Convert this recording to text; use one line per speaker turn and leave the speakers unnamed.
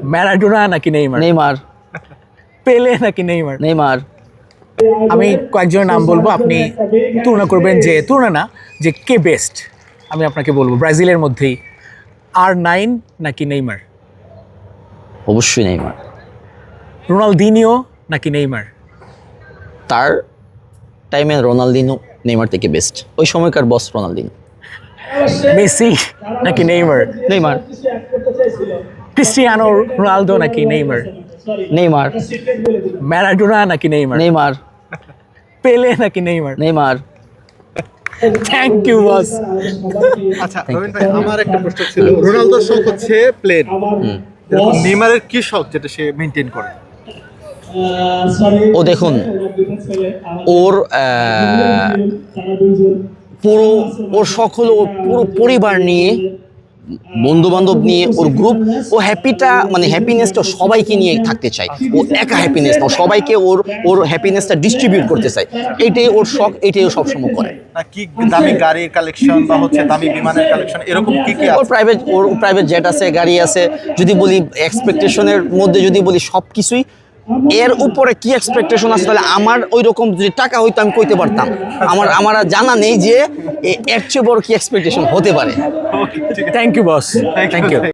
Maradona নাকি Neymar?
Neymar.
Pele নাকি Neymar?
Neymar.
আমি কয়েকজনের নাম বলবো, আপনি তুলনা করবেন, যে তুলনা না, যে কে বেস্ট। আমি আপনাকে বলবো ব্রাজিলের মধ্যেই R9 নাকি নেইমার?
অবশ্যই নেইমার।
রোনালদিনিও নাকি নেইমার?
তার টাইমে রোনালদিনো নেইমার থেকে বেস্ট, ওই সময়কার বস রোনালদিনো।
মেসি নাকি নেইমার?
নেইমার।
ক্রিস্টিয়ানো রোনালদো নাকি নেইমার?
নেইমার।
ম্যারাডোনা নাকি নেইমার?
নেইমার।
পেলে নাকি Neymar?
Neymar.
Thank you boss.
আচ্ছা রবিন ভাই, আমার একটা প্রশ্ন ছিল, রোনালদোর শখ হচ্ছে প্লেন, এরকম নেইমারের কি শখ যেটা সে মেইনটেইন করে?
ও দেখুন, ওর পুরো ওর শখ হলো ওর পুরো পরিবার নিয়ে, বন্ধু বান্ধব নিয়ে, ওর গ্রুপ, ও হ্যাপিটা মানে হ্যাপিনেসটা সবাইকে নিয়ে থাকতে চায়। ও একা হ্যাপিনেস না, সবাইকে ওর হ্যাপিনেসটা ডিস্ট্রিবিউট করতে চায়। এইটাই ওর শখ, এইটাই ও সবসময় করে।
না কি দামি গাড়ির কালেকশন বা হচ্ছে দামি বিমানের কালেকশন, এরকম কি কি
ওর
আছে?
প্রাইভেট জেট আছে, গাড়ি আছে। যদি বলি এক্সপেকটেশনের মধ্যে, যদি বলি সব কিছুই, এর উপরে কি এক্সপেকটেশন আছে, তাহলে আমার ওই রকম যদি টাকা হইতো আমি কইতে পারতাম। আমার আর জানা নেই যে এর চেয়ে বড় কি এক্সপেকটেশন হতে পারে।
Thank you boss, thank you.